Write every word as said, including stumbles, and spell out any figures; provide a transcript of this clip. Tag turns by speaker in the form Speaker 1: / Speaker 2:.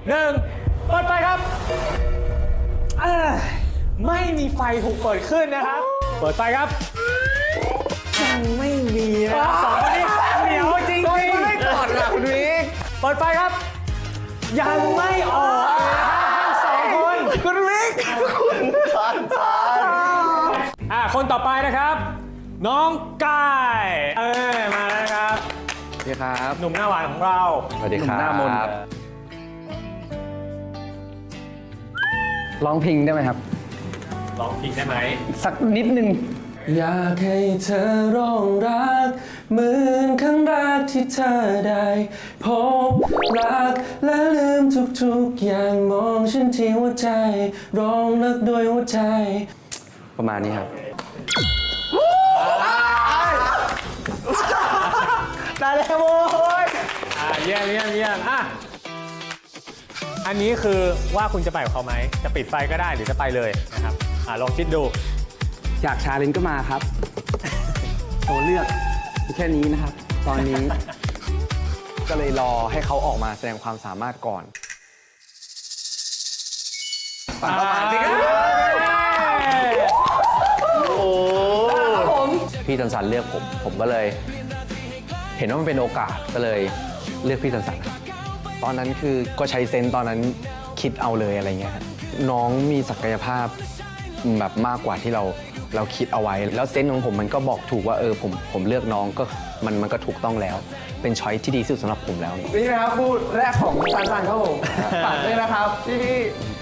Speaker 1: หนึ่งเปิดไฟครับอ่าไม่มีไฟถูกเปิดขึ้นนะครับเปิดไฟครับยังไม่มีนะครับสองคนนี้เหนียวจริงๆไม่ก่อนค่ะคุณวิกเปิดไฟครับยังไม่ออกเลยนะครับทั้งสองคนคุณวิกคุณสันสันอ่าคนต่อไปนะครับ น้องกายเออมาแล้วครับ
Speaker 2: สวัสดีครับ
Speaker 1: หนุ่มหน้าหวานของเรา
Speaker 2: สวัสดีครับ
Speaker 3: หน้ามนต์ร้องเพลงได้ไหมครับ
Speaker 1: ร้องเพลงได้ไหม
Speaker 3: สักนิดนึง
Speaker 2: อยากให้เธอร้องรักเหมือนครั้งแรกที่เธอได้พบรักและลืมทุกๆอย่างมองฉันที่หัวใจร้องรักด้วยหัวใจ ประมาณนี้ครับ
Speaker 1: ได้แล้วโว้ยอ่าเยี่ยมเยี่ยมเยี่ยมอ่ะอันนี้คือว่าคุณจะไปกับเขาไหมจะปิดไฟก็ได้หรือจะไปเลยนะครับอ่าลองคิดดู
Speaker 3: อยากชาเลนจ์ก็มาครับ ตัวเลือกมีแค่นี้นะครับ ตอนนี้ ก็เลยรอให้เขาออกมาแสดงความสามารถก่อน
Speaker 1: ปังประมาณสิครับโอ้
Speaker 2: พี่สันสันเลือกผม ผมก็เลย เห็นว่ามันเป็นโอกาสก็เลยเลือกพี่สันสันครับตอนนั้นคือก็ใช้เซนส์ตอนนั้นคิดเอาเลยอะไรเงี้ยครับน้องมีศักยภาพแบบมากกว่าที่เราเราคิดเอาไว้ แล้วเซนส์ของผมมันก็บอกถูกว่าเออผมผมเลือกน้องก็มันมันก็ถูกต้องแล้ว เป็นช้อยที่ดีที่สุดสำหรับผมแล้ว
Speaker 3: นี่นะครับคู่แรกของซันซันครับผมฝากด้วยนะครับพี่